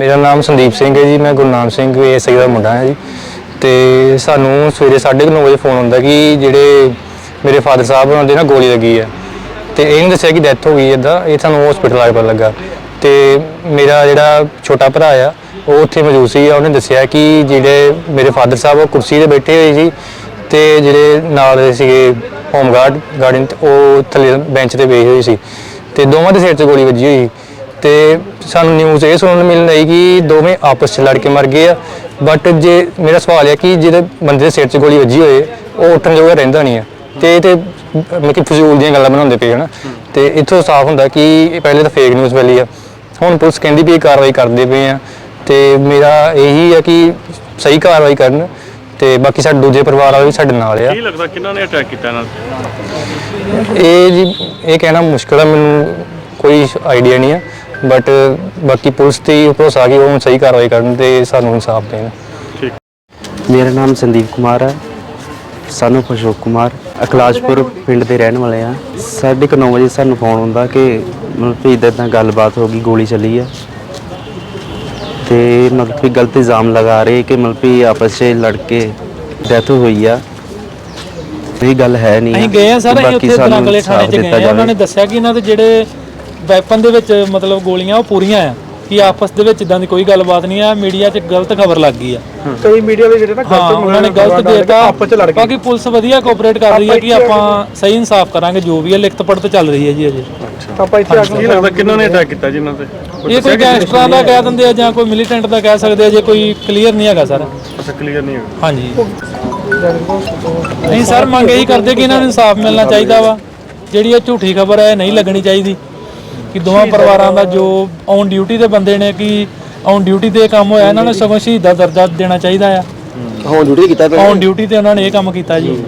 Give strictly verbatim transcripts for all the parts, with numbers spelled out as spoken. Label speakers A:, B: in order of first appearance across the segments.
A: मेरा नाम संदीप सिंह है जी। मैं गुरनाम सिंह एस आई का मुंडा है जी। तो सानू सवेरे साढ़े नौ बजे फोन आता कि जोड़े मेरे फादर साहब उन्होंने ना गोली लगी है। तो यह नहीं दसिया कि डैथ हो गई इदा, ये सू हॉस्पिटल आके पता लगा। तो मेरा जोड़ा छोटा भरा आ वो उत्थे मौजूद सी, उन्हें दसिया कि जोड़े मेरे फादर साहब कुर्सी पर बैठे हुए सी ते जोड़े नाल सीगे होमगार्ड गार्डन वो थले बेंच पर बैठे हुए सी ते दोवां दे सिर च गोली वजी हुई। तो सानू न्यूज़ ये सुनने मिलने लगी कि दोवें आपस में लड़ के मर गए। बट जे मेरा सवाल है कि जो बंदे के सिर च गोली वजी होए वो उठन जोगा रहिंदा नहीं है। तो मतलब फजूल दी गल्लां बनाते पे है ना। तो इत्थों साफ होंदा कि पहले तो फेक न्यूज़ फैली है, हुण पुलिस कहती भी कार्रवाई करते पे हैं। तो मेरा यही है कि सही कार्रवाई करन ते बाकी साडे दूजे परिवार वाले भी साडे नाल आ।
B: ਕੀ ਲੱਗਦਾ ਕਿਹਨਾਂ ਨੇ ਅਟੈਕ ਕੀਤਾ ਇਹਨਾਂ
A: ਇਹ ਜੀ ਇਹ ਕਹਿਣਾ ਮੁਸ਼ਕਿਲ ਹੈ, ਮੈਨੂੰ ਕੋਈ ਆਈਡੀਆ नहीं है। बट बाकी पुलिस ते भरोसा कि वो सही कार्रवाई करन ते सानू इंसाफ देन।
C: मेरा नाम संदीप कुमार है, सानू अशोक कुमार, अकलाशपुर पिंड के रहने वाले हैं। साढ़े क नौ बजे सानू फोन आता कि मतलब कि इदा इदा गलबात हो गई, गोली चली है। तो मतलब कि गलत इल्ज़ाम लगा रहे कि मतलब कि आपस से लड़के डेथ हुई है। ये गल है नहीं।
D: ਅਸੀਂ ਗਏ ਆ ਸਰ, ਅਸੀਂ ਉੱਥੇ ਦਰਾਂਗਲੇ ਥਾਣੇ 'ਚ ਗਏ ਆ। ਉਹਨਾਂ ਨੇ ਦੱਸਿਆ ਕਿ ਇਹਨਾਂ ਦੇ ਜਿਹੜੇ ਵੈਪਨ ਦੇ ਵਿੱਚ ਮਤਲਬ ਗੋਲੀਆਂ ਉਹ ਪੂਰੀਆਂ ਆ, ਕਿ ਆਪਸ ਦੇ ਵਿੱਚ ਇਦਾਂ ਦੀ ਕੋਈ ਗੱਲਬਾਤ ਨਹੀਂ ਆ। ਮੀਡੀਆ 'ਚ ਗਲਤ ਖਬਰ ਲੱਗ ਗਈ ਆ,
E: ਕਈ ਮੀਡੀਆ ਦੇ ਜਿਹੜੇ ਨਾ
D: ਗਲਤ ਉਹਨਾਂ ਨੇ ਗਲਤ ਦੇਤਾ।
E: ਆਪਸ 'ਚ ਲੜ ਗਏ।
D: ਬਾਕੀ ਪੁਲਿਸ ਵਧੀਆ ਕੋਆਪਰੇਟ ਕਰ ਰਹੀ ਹੈ ਕਿ ਆਪਾਂ ਸਹੀ ਇਨਸਾਫ ਕਰਾਂਗੇ। ਜੋ ਵੀ ਹੈ ਲਿਖਤ ਪੜਤ ਚੱਲ ਰਹੀ ਹੈ ਜੀ ਅਜੇ।
E: ਆਪਾਂ ਇੱਥੇ ਆ
B: ਕੀ ਲੱਗਦਾ ਕਿਹਨਾਂ ਨੇ ਅਟੈਕ ਕੀਤਾ ਜੀ ਇਹਨਾਂ ਤੇ?
D: ਇਹ ਕੋਈ ਗੈਂਗਸਟਰਾਂ ਦਾ ਕਹਿ ਦਿੰਦੇ ਆ ਜਾਂ ਕੋਈ ਮਿਲੀਟੈਂਟ ਦਾ ਕਹਿ ਸਕਦੇ ਆ, ਜੇ ਕੋਈ ਕਲੀਅਰ ਨਹੀਂ ਹੈਗਾ ਸਰ।
B: ਅੱਛਾ, ਕਲੀਅਰ ਨਹੀਂ ਹੋਇਆ।
D: ਹਾਂਜੀ ਨਹੀਂ ਸਰ, ਮੰਗ ਇਹੀ ਕਰਦੇ ਕਿ ਇਹਨਾਂ ਨੂੰ ਇਨਸਾਫ ਮਿਲਣਾ ਚਾਹੀਦਾ ਵਾ। ਜਿਹੜੀ ਇਹ ਝੂਠੀ ਖਬਰ ਹੈ ਨਹੀਂ ਲੱਗਣੀ ਚਾਹੀਦੀ ਕਿ ਦੋਵਾਂ ਪਰਿਵਾਰਾਂ ਦਾ ਜੋ ਔਨ ਡਿਊਟੀ ਦੇ ਬੰਦੇ ਨੇ ਕਿ ਔਨ ਡਿਊਟੀ ਤੇ ਕੰਮ ਹੋਇਆ, ਇਹਨਾਂ ਨੂੰ ਸਗੋਂ ਸ਼ਹੀਦ ਦਾ ਦਰਜਾ ਦੇਣਾ ਚਾਹੀਦਾ ਆ।
C: ऑन ड्यूटी ਕੀਤਾ
D: ਔਨ ਡਿਊਟੀ ਤੇ ਉਹਨਾਂ ਨੇ ਇਹ ਕੰਮ ਕੀਤਾ ਜੀ।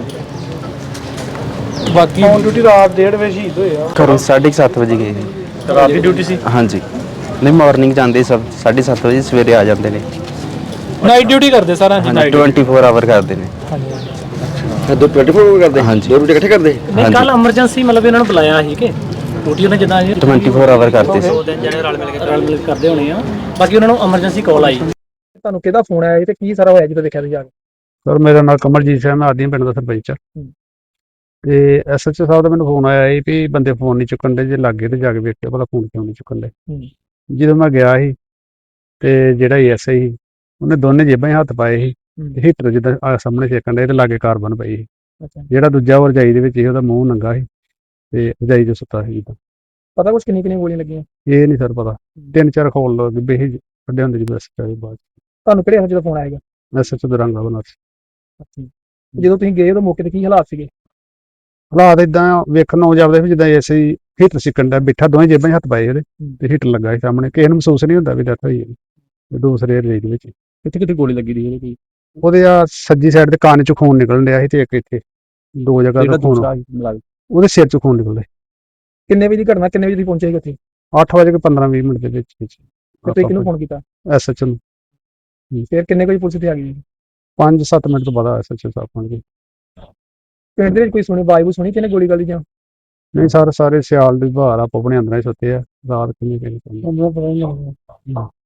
D: ਬਾਕੀ
E: ਔਨ ਡਿਊਟੀ ਰਾਤ ਡੇਢ ਵਜੇ ਸ਼ਹੀਦ ਹੋਏ ਆ।
C: घरों साढ़े सत्त बजे गए थे।
B: ਰਾਤ ਦੀ ਡਿਊਟੀ ਸੀ?
C: हाँ जी, नहीं मॉर्निंग जाते सब साढ़े सत्त बजे सवेरे आ जाते हैं।
D: ਨਾਈਟ ਡਿਊਟੀ ਕਰਦੇ ਸਾਰਾ ਜੀ।
C: हाँ ट्वेंटी फोर आवर करते हैं।
F: ਦੋ ट्वेंटी फोर करते
C: हाँ जी,
F: दो रोटी इकट्ठे करते
D: ਨਹੀਂ ਕੱਲ ਐਮਰਜੈਂਸੀ ਮਤਲਬ ਇਹਨਾਂ ਨੂੰ ਬੁਲਾਇਆ ਸੀ ਕਿ ਡਿਊਟੀ ਉਹਨੇ ਜਿੱਦਾਂ ਇਹ
C: ट्वेंटी फोर आवर करते थे।
D: ਦੋ ਦਿਨ ਜਿਹੜੇ ਰਲ ਮਿਲ ਕੇ ਰਲ ਮਿਲ ਕੇ ਕਰਦੇ ਹੋਣੇ ਆ। ਬਾਕੀ ਉਹਨਾਂ ਨੂੰ ਐਮਰਜੈਂਸੀ ਕਾਲ ਆਈ।
E: ਤੁਹਾਨੂੰ ਕਿਹਦਾ ਫੋਨ ਆਇਆ ਤੇ ਕੀ ਸਾਰਾ ਹੋਇਆ ਜਦੋਂ ਦੇਖਿਆ ਤੁਸੀਂ ਜਾ ਕੇ?
G: ਸਰ ਮੇਰਾ ਨਾਮ ਕਮਲਜੀਤ ਸਿੰਘ, ਮੈਂ ਆਦੀਆਂ ਪਿੰਡ ਦਾ ਸਰਪੰਚ ਹਾਂ। ਤੇ ਐਸ ਐਚ ਓ ਸਾਹਿਬ ਦਾ ਮੈਨੂੰ ਫੋਨ ਆਇਆ ਸੀ ਵੀ ਬੰਦੇ ਫੋਨ ਨਹੀਂ ਚੁੱਕਣ ਦੇ, ਜੇ ਲੱਗੇ ਤੇ ਜਾ ਕੇ ਵੇਖਿਓ ਭਲਾ ਫੋਨ ਕਿਉਂ ਨਹੀਂ ਚੁੱਕਣ ਦੇ। ਜਦੋਂ ਮੈਂ ਗਿਆ ਸੀ ਤੇ ਜਿਹੜਾ ਐਸ ਆਈ ਸੀ ਉਹਨੇ ਦੋਨੇ ਜੇਬਾਂ 'ਚ ਹੱਥ ਪਾਏ ਸੀ, ਹੀਟਰ ਜਿੱਦਾਂ ਆਹ ਸਾਹਮਣੇ ਸੇਕਣ ਦੇ ਤੇ ਲਾਗੇ ਕਾਰਬਨ ਪਈ ਸੀ। ਜਿਹੜਾ ਦੂਜਾ ਉਹ ਰਜਾਈ ਦੇ ਵਿੱਚ ਸੀ, ਉਹਦਾ ਮੂੰਹ ਨੰਗਾ ਸੀ ਤੇ ਰਜਾਈ 'ਚ ਸੁੱਤਾ ਸੀ। ਜਿੱਦਾਂ
E: ਪਤਾ ਕੁਛ ਕਿੰਨੀ ਕਿੰਨੀ ਗੋਲੀਆਂ ਲੱਗੀਆਂ?
G: ਇਹ ਨਹੀਂ ਸਰ ਪਤਾ, ਤਿੰਨ ਚਾਰ ਖੋਲ ਲੋ ਗਿੱਬੇ ਸੀ ਕੱਢੇ ਹੁੰਦੇ ਜਦੋਂ ਐਸ ਐਚ ਓ ਬਾਅਦ
E: ਤੁਹਾਨੂੰ ਕਿਹੜੇ ਹੱਥ ਜਦੋਂ ਫੋਨ ਆਏਗਾ?
G: S H O Daranga Banaras.
E: ਜਦੋਂ ਤੁਸੀਂ ਗਏ ਉਦੋਂ ਮੌਕੇ ਤੇ ਕੀ ਹਾਲਾਤ ਸੀਗੇ?
G: ਹਾਲਾਤ ਇਦਾਂ ਵੇਖਣ ਨੂੰ ਜਾਪਦਾ ਵੀ ਜਿੱਦਾਂ ਐਸੇ ਹੀ ਹੀਟਰ ਸਿੱਕਣ ਦਾ ਬਿਠਾ, ਦੋਵੇਂ ਜੇਬਾਂ 'ਚ ਹੱਥ ਪਾਏ ਉਹਦੇ ਤੇ ਹੀਟਰ ਲੱਗਾ ਸੀ ਸਾਹਮਣੇ। ਕਿਸੇ ਨੂੰ ਮਹਿਸੂਸ ਨਹੀਂ ਹੁੰਦਾ ਵੀ ਡੈਥ ਹੋਈ ਹੈ। ਦੂਸਰੇ ਰਜਾਈ ਦੇ ਵਿੱਚ
E: ਕਿੱਥੇ ਕਿੱਥੇ ਗੋਲੀ ਲੱਗੀ ਦੀ ਉਹਦੇ?
G: ਉਹਦੇ ਆ ਸੱਜੀ ਸਾਈਡ ਤੇ ਕੰਨ 'ਚ ਖੂਨ ਨਿਕਲਣ ਡਿਆ ਸੀ ਤੇ ਇੱਕ ਇੱਥੇ ਦੋ ਜਗ੍ਹਾ ਤੋਂ ਖੂਨ, ਉਹਦੇ ਸਿਰ 'ਚ ਖੂਨ ਨਿਕਲਦਾ।
E: ਕਿੰਨੇ ਵਜੇ ਦੀ ਘਟਨਾ? ਕਿੰਨੇ ਵਜੇ ਤੁਸੀਂ ਪਹੁੰਚੇ ਸੀ ਉੱਥੇ?
G: ਅੱਠ ਵਜੇ ਕੇ ਪੰਦਰਾਂ ਵੀਹ ਮਿੰਟ ਦੇ ਵਿੱਚ ਵਿੱਚ
E: ਤੇ ਤੁਸੀਂ ਕਿਹਨੂੰ ਫੋਨ ਕੀਤਾ?
G: ਐਸ ਐਚ ਓ ਨੂੰ।
E: ਫਿਰ ਕਿੰਨੇ ਵਜੇ ਪੁਲਿਸ ਇੱਥੇ ਆ ਗਈ?
G: ਪੰਜ ਸੱਤ ਮਿੰਟ ਤੋਂ ਬਾਅਦ ਐਸ ਐਚ ਓ ਸਾਹਿਬ ਪਹੁੰਚ ਗਏ।
E: ਪਿੰਡ ਦੇ ਵਿੱਚ ਕੋਈ ਸੁਣੀ ਆਵਾਜ਼ ਸੁਣੀ ਕਿਹਨੇ ਗੋਲੀ ਗਾਲੀ ਜਾਂ?
G: ਨਹੀਂ ਸਰ, ਸਾਰੇ ਸਿਆਲ ਦੀ ਬਹਾਰ ਆਪੋ ਆਪਣੇ ਅੰਦਰਾਂ ਹੀ ਸੁੱਤੇ ਆ ਰਾਤ ਕਿੰਨੀ ਕਿੰਨੀ।